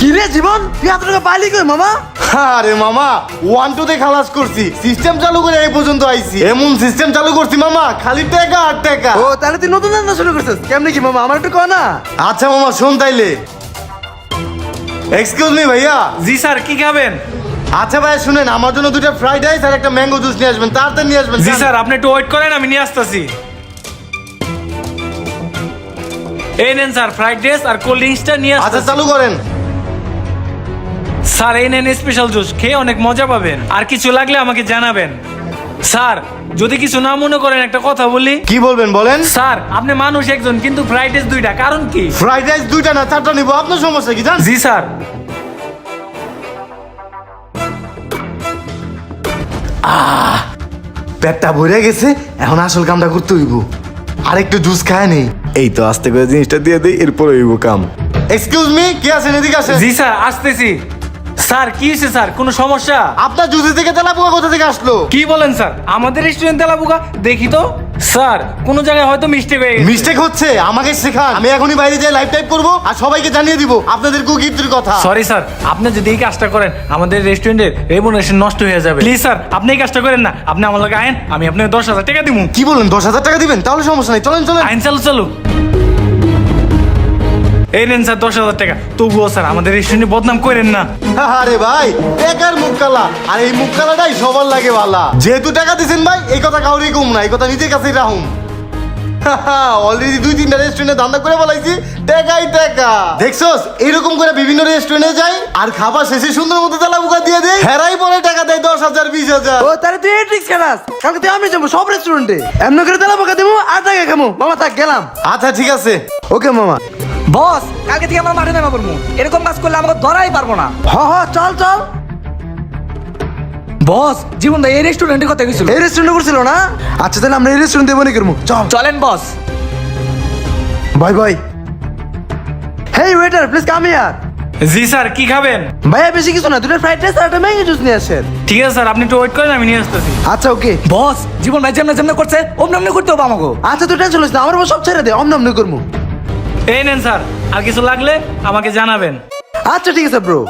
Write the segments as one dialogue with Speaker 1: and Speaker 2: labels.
Speaker 1: কি রে জীবন, তুই এত টাকা পাইলি কই মামা?
Speaker 2: আরে মামা 1-2 তে খালাস করছি, সিস্টেম চালু করে এই পর্যন্ত আইছি। এমন সিস্টেম চালু করছি মামা, খালি টাকা আর টাকা।
Speaker 1: ও তাহলে তুই নতুন ধান্দা শুরু করছিস, কেমনে কি মামা আমার একটু কও না।
Speaker 2: আচ্ছা মামা শোন তাইলে। এক্সকিউজ মি ভাইয়া।
Speaker 3: জি স্যার, কি খাবেন?
Speaker 2: আচ্ছা ভাইয়া শুনেন, আমার জন্য 2টা ফ্রাইড রাইস আর একটা ম্যাঙ্গো জুস নিয়ে আসবেন, তাড়াতাড়ি নিয়ে আসবেন।
Speaker 3: জি স্যার, আপনি একটু ওয়েট করেন, আমি নিয়ে আসতেছি। এই নেন স্যার ফ্রাইড রাইস আর কোল্ড ড্রিঙ্কসটা নিয়ে
Speaker 2: আচ্ছা
Speaker 3: আসতেছি।
Speaker 2: চালু করেন।
Speaker 3: স্যার এই নেন স্পেশাল জুস, খেয়ে অনেক মজা পাবেন। আর কিছু লাগলে আমাকে জানাবেন। স্যার যদি কিছু না মনে করেন একটা কথা বলি।
Speaker 2: কি বলবেন বলেন।
Speaker 3: স্যার আপনি মানুষ একজন, কিন্তু ফ্রাইড রাইস 2টা, কারণ কি?
Speaker 2: ফ্রাইড রাইস 2টা না 4টা নিব, আপনার সমস্যা কি জান?
Speaker 3: জি স্যার।
Speaker 2: পেটটা ভরে গেছে, এখন আসল কামটা করতে হইব। আর একটু জুস খায় নেই, এই তো আস্তে করে জিনিসটা দিয়ে দেই, এরপর হইব কাম। এক্সকিউজ মি, কি আছেন এদিকে আসেন।
Speaker 3: জি স্যার আসতেছি। স্যার কি হয়েছে স্যার, কোনো সমস্যা?
Speaker 2: আপনার জুসের থেকে তেলাপোকা কোথা থেকে আসলো?
Speaker 3: কি বলেন স্যার, আমাদের রেস্টুরেন্ট তেলাপোকা? দেখি তো। স্যার কোন জায়গায় হয়তো মিস্টেক হয়ে গেছে।
Speaker 2: মিস্টেক হচ্ছে, আমাকে শেখান। আমি এখনই বাইরে যাই লাইভ টাইপ করবো আর সবাইকে জানিয়ে দিব আপনাদের কুকির কথা।
Speaker 3: সরি স্যার, আপনি যদি এই কাজটা করেন আমাদের রেস্টুরেন্টের রেপুটেশন নষ্ট হয়ে যাবে। প্লিজ স্যার আপনি এই কাজটা করেন না, আপনি আমার লগে আইন, আমি আপনাকে 10,000 টাকা দিব।
Speaker 2: কি বলেন 10,000 টাকা দিবেন? তাহলে সমস্যা নাই, চলেন চলেন।
Speaker 3: আইন চালু চালু। এই নেন স্যার 10,000 টাকা। তবুও স্যার আমাদের রেস্টুরেন্টে বদনাম করেন না।
Speaker 2: আরে ভাই টাকার মুখ কালা, আর এই মুখ কালাটাই সবার লাগে ভালা। যেহেতু টাকা দিছেন ভাই, এই কথা কাউরি কম না, এই কথা নিজের কাছেই রাখুন। অলরেডি 2-3টা রেস্টুরেন্টে ধান্দা করে বলাইছি, টাকাই টাকা। দেখছস এইরকম করে বিভিন্ন রেস্টুরেন্টে যাই আর খাবার শেষে সুন্দর মতো তেলাপোকা দিয়ে দেয়, হেরাই পরে টাকা দেয় 10,000 20,000।
Speaker 1: ও তাহলে তুই এই ট্রিক্স খেলাস, কালকে তুই আমি যাবো সব রেস্টুরেন্টে, এমনি করে তেলাপোকা দেবো আর টাকা খামো। মামা থাক গেলাম।
Speaker 2: আচ্ছা ঠিক আছে।
Speaker 1: ওকে মামা।
Speaker 4: বস কালকে থেকে আমরা মাঠে নামা পড়বো, এরকম কাজ করলে আমাকে ধরাই পারবো না।
Speaker 1: হ চল চল।
Speaker 4: বস জীবন ভাই এই রেস্টুরেন্টের কথা গেছিল।
Speaker 1: এই রেস্টুরেন্টে করছিল না? আচ্ছা তাহলে আমরা এই রেস্টুরেন্টে মনে করবো, চল।
Speaker 4: চলেন boss.
Speaker 1: Bye bye. Hey waiter please come here.
Speaker 3: জি স্যার, কি খাবেন?
Speaker 1: ভাইয়া বেশি কিছু না, 2টা ফ্রাইড রাইস আর একটা ম্যাঙ্গো জুস নিয়ে আসেন।
Speaker 3: ঠিক আছে স্যার, আপনি একটু ওয়েট করেন, আমি নিয়ে আসতেছি।
Speaker 1: আচ্ছা ওকে।
Speaker 4: বস জীবন ভাই যেমন যেমন করছে অমনি করতে হবে আমাকে।
Speaker 1: আচ্ছা তুই টেনশন নিস না, আমার সব ছেড়ে দে, অমনি করবো।
Speaker 3: এই নেন স্যার, আর কিছু লাগলে আমাকে জানাবেন।
Speaker 1: আচ্ছা ঠিক আছে ব্রো।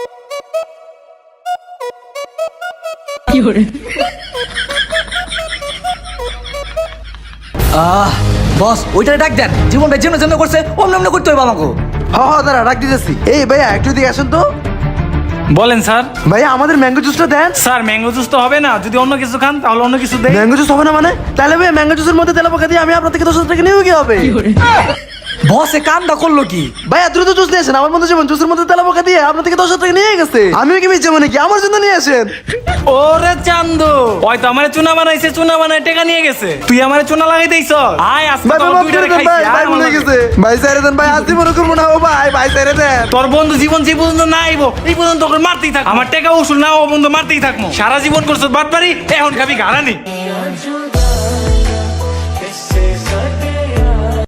Speaker 4: বস ওইটারে ডাক দেন, জীবন ভাই যেমন যেমন করছে অমনি করতে হবে আমাকে।
Speaker 1: দাঁড়া রাখ দিতেছি। এই ভাইয়া একটু দিকে আসেন তো।
Speaker 3: বলেন স্যার।
Speaker 1: ভাইয়া আমাদের ম্যাঙ্গো জুসটা দেন।
Speaker 3: স্যার ম্যাঙ্গো জুস তো হবে না, যদি অন্য কিছু খান তাহলে অন্য কিছু দেই।
Speaker 1: ম্যাঙ্গো জুস হবে না মানে? তাহলে ভাইয়া ম্যাঙ্গো জুসের মধ্যে তেলাপোকা দিয়ে আমি আপনার থেকে 10,000 টাকা নিয়ে কি হবে?
Speaker 4: বস এ কামটা করলো কি?
Speaker 1: ভাইয়া দ্রুত জুস নিয়ে আসেন, আমার মধ্যে যেমন জুসের মধ্যে তেলাপোকা দিয়ে আপনার থেকে 10,000 টাকা নিয়ে গেছে। আমিও কি মিছে মনে কি, আমার জন্য নিয়ে আসেন।
Speaker 3: ওরে চান্দু, হয়তো আমারে চুনা বানাইছে, চুনা বানাই টাকা নিয়ে গেছে। তুই আমারে চুনা লাগাই দেইছ। আয় আজকে
Speaker 1: ভাই
Speaker 3: তোর
Speaker 1: মাফ
Speaker 3: দুইটারে
Speaker 1: করে দেন
Speaker 3: খাইছি।
Speaker 1: ভাই, ভাই
Speaker 3: আয় আমার
Speaker 1: ভুলে
Speaker 3: লগে।
Speaker 1: গেছে। ভাই ছেড়ে দেন ভাই, আজ মনে করবো না। ও ভাই ছেড়ে দেন।
Speaker 3: তোর বন্ধু জীবন যে পর্যন্ত না আইবো এই পর্যন্ত তোকে মারতেই থাক। আমার টাকা উসুল না ও বন্ধু মারতেই থাকবো। সারা জীবন করছ বাটপারি, এখন খাবি গারানি।